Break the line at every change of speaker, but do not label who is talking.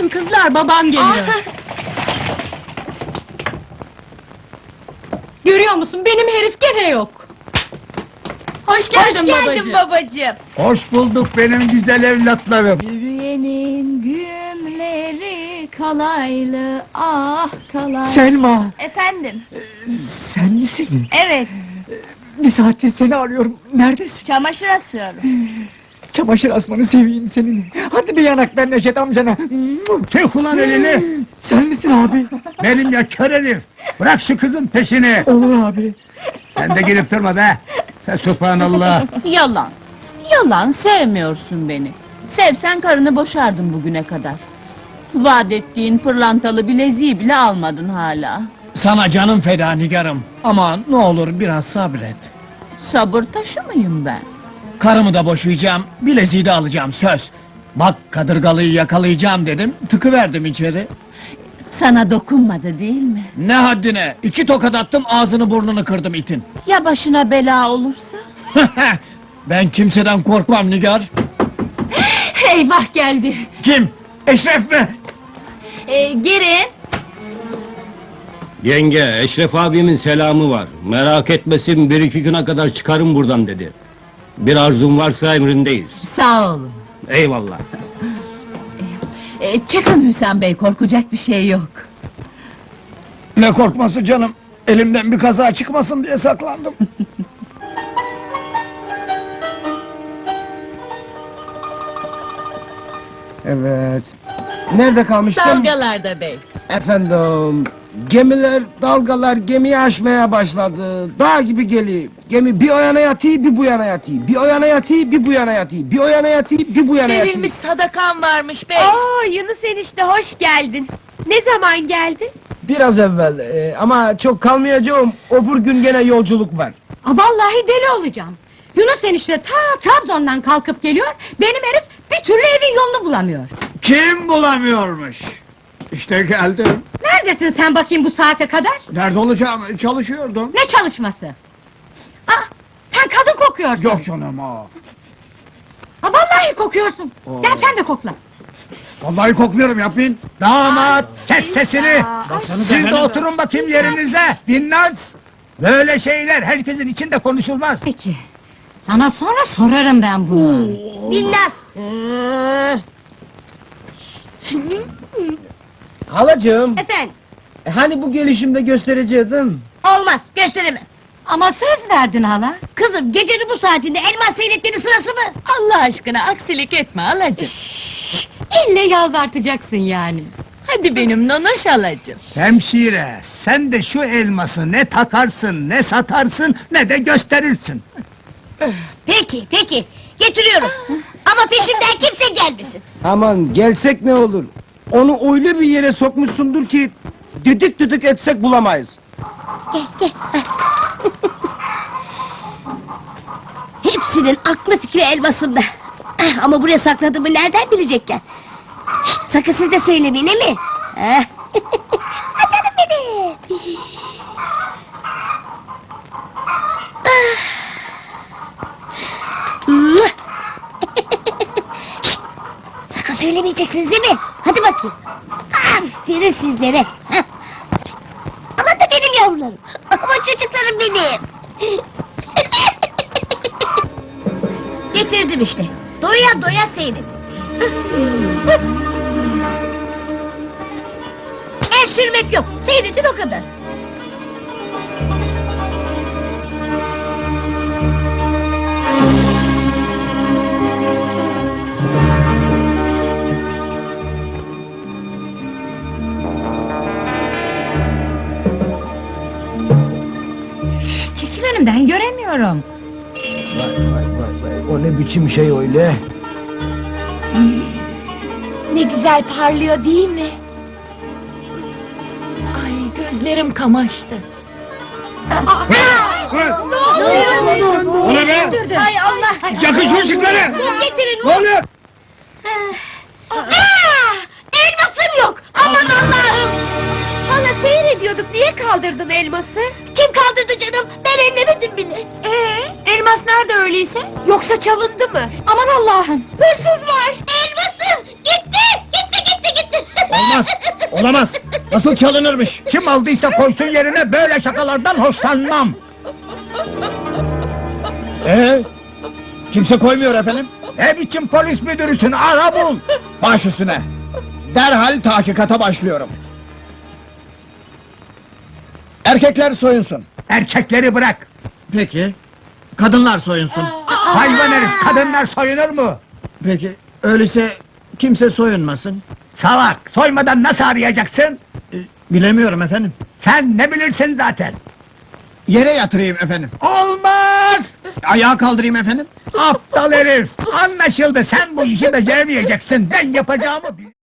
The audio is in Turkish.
kızlar, babam geliyor. Görüyor musun, benim herif gene yok. Hoş geldin, babacığım.
Hoş bulduk benim güzel evlatlarım.
Yürüyenin gümleri kalaylı, ah kalaylı.
Selma,
Efendim,
sen misin?
evet,
Bir saattir seni arıyorum. Neredesin?
çamaşır asıyorum.
Çamaşır asmanı seveyim senin. Hadi bir yanak ver Neşet amcana.
Çek ulan elini!
Sen misin abi?
Benim ya kör herif! Bırak şu kızın peşini!
Olur abi.
Sen de girip durma be! Fesubhanallah!
Yalan, yalan, sevmiyorsun beni. Sevsen karını boşardın bugüne kadar. Vaat ettiğin pırlantalı bileziği bile almadın hala.
Sana canım feda Nigar'ım. Aman ne olur biraz sabret.
Sabır taşı mıyım ben?
Karımı da boşayacağım, bileziği de alacağım söz. Bak kadırgalıyı yakalayacağım dedim, tıkıverdim içeri.
Sana dokunmadı değil mi?
Ne haddine, 2 tokat attım ağzını burnunu kırdım itin.
Ya başına bela olursa?
Ben kimseden korkmam Nigar.
Eyvah geldi!
Kim? Eşref mi?
Girin!
Yenge, Eşref abimin selamı var. Merak etmesin, 1-2 güne kadar çıkarım buradan dedi. Bir arzun varsa emrindeyiz.
Sağ olun.
Eyvallah.
Çıkın Hüsam Bey, korkacak bir şey yok.
Ne korkması canım? Elimden bir kaza çıkmasın diye saklandım.
Evet. Nerede kalmıştım?
Dalgalarda bey.
Efendim, gemiler, dalgalar gemiyi aşmaya başladı. Dağ gibi geliyor. Gemi bir o yana yatıyor, bir bu yana yatıyor. Bir o yana yatıyor, bir bu yana yatıyor. Bir o yana yatıyor, bir bu yana yatıyor.
Verilmiş sadakan varmış bey.
Oo, Yunus enişte hoş geldin. Ne zaman geldin?
Biraz evvel, ama çok kalmayacağım. Öbür gün gene yolculuk var.
Vallahi deli olacağım. Yunus enişte ta Trabzon'dan kalkıp geliyor, benim herif bir türlü evin yolunu bulamıyor.
Kim bulamıyormuş? İşte geldim.
Neredesin sen bakayım bu saate kadar?
Nerede olacağım? Çalışıyordum.
Ne çalışması? Aa, sen kadın kokuyorsun.
Yok canım ha.
Ha, vallahi kokuyorsun. Gel sen de kokla.
Vallahi kokluyorum yapmayın.
Damat! Kes sesini! Siz de oturun bakayım yerinize! Binnaz! Böyle şeyler herkesin içinde konuşulmaz!
Peki. Sana sonra sorarım ben bunu.
Binnaz.
Halacığım,
Efendim,
hani bu gelişimde göstereceğim?
olmaz, gösteremem.
Ama söz verdin hala.
Kızım, gecenin bu saatinde elmas seyretmenin sırası mı?
Allah aşkına aksilik etme halacığım.
Elle yalvartacaksın yani.
Hadi benim nonoş halacığım.
Hemşire, sen de şu elması ne takarsın, ne satarsın, ne de gösterirsin!
Peki, peki, getiriyorum. Ama peşimden kimse gelmesin.
Aman gelsek ne olur? Onu öyle bir yere sokmuşsundur ki... ...düdük düdük etsek bulamayız.
Gel, gel. Hepsinin aklı fikri elmasımda. Ama buraya sakladığımı nereden bilecekler? Şşt, sakın siz de söylemeyin, değil mi? Ah, canım benim! Şşt, sakın söylemeyeceksiniz değil mi? Hadi bakayım. Aferin sizlere. Hah. Aman da benim yavrularım. Aman çocuklarım benim. Getirdim işte. Doya doya seyredin. El sürmek yok. Seyredin o kadar.
Çekil önümden, göremiyorum.
O ne biçim şey öyle?
Ne güzel parlıyor değil mi? Ay gözlerim kamaştı.
O ne be?
Hay Allah!
Yakın şu ışıkları!
Getirin!
Ne oluyor?
Elmasım yok! Aman Allah'ım! Hala seyrediyorduk, niye kaldırdın elması? Kim kaldırdı canım? Ben ellemedim bile!
Elmas nerede öyleyse?
Yoksa çalındı mı?
Aman Allah'ım!
Hırsız var! Elmasım! Gitti! Gitti, gitti, gitti!
Olmaz. Olamaz. Nasıl çalınırmış?
Kim aldıysa koysun yerine, böyle şakalardan hoşlanmam.
Kimse koymuyor efendim.
Ne biçim polis müdürüsün, ara bul.
Baş üstüne. Derhal tahkikata başlıyorum. Erkekler soyunsun.
Erkekleri bırak.
Peki. Kadınlar soyunsun.
Hayvan herif, kadınlar soyunur mu?
Peki. Öyleyse kimse soyunmasın.
Salak, soymadan nasıl arayacaksın?
Bilemiyorum efendim.
Sen ne bilirsin zaten.
Yere yatırayım efendim.
Olmaz!
Ayağa kaldırayım efendim.
Aptal herif! Anlaşıldı, sen bu işi beceremeyeceksin. Ben yapacağımı bil...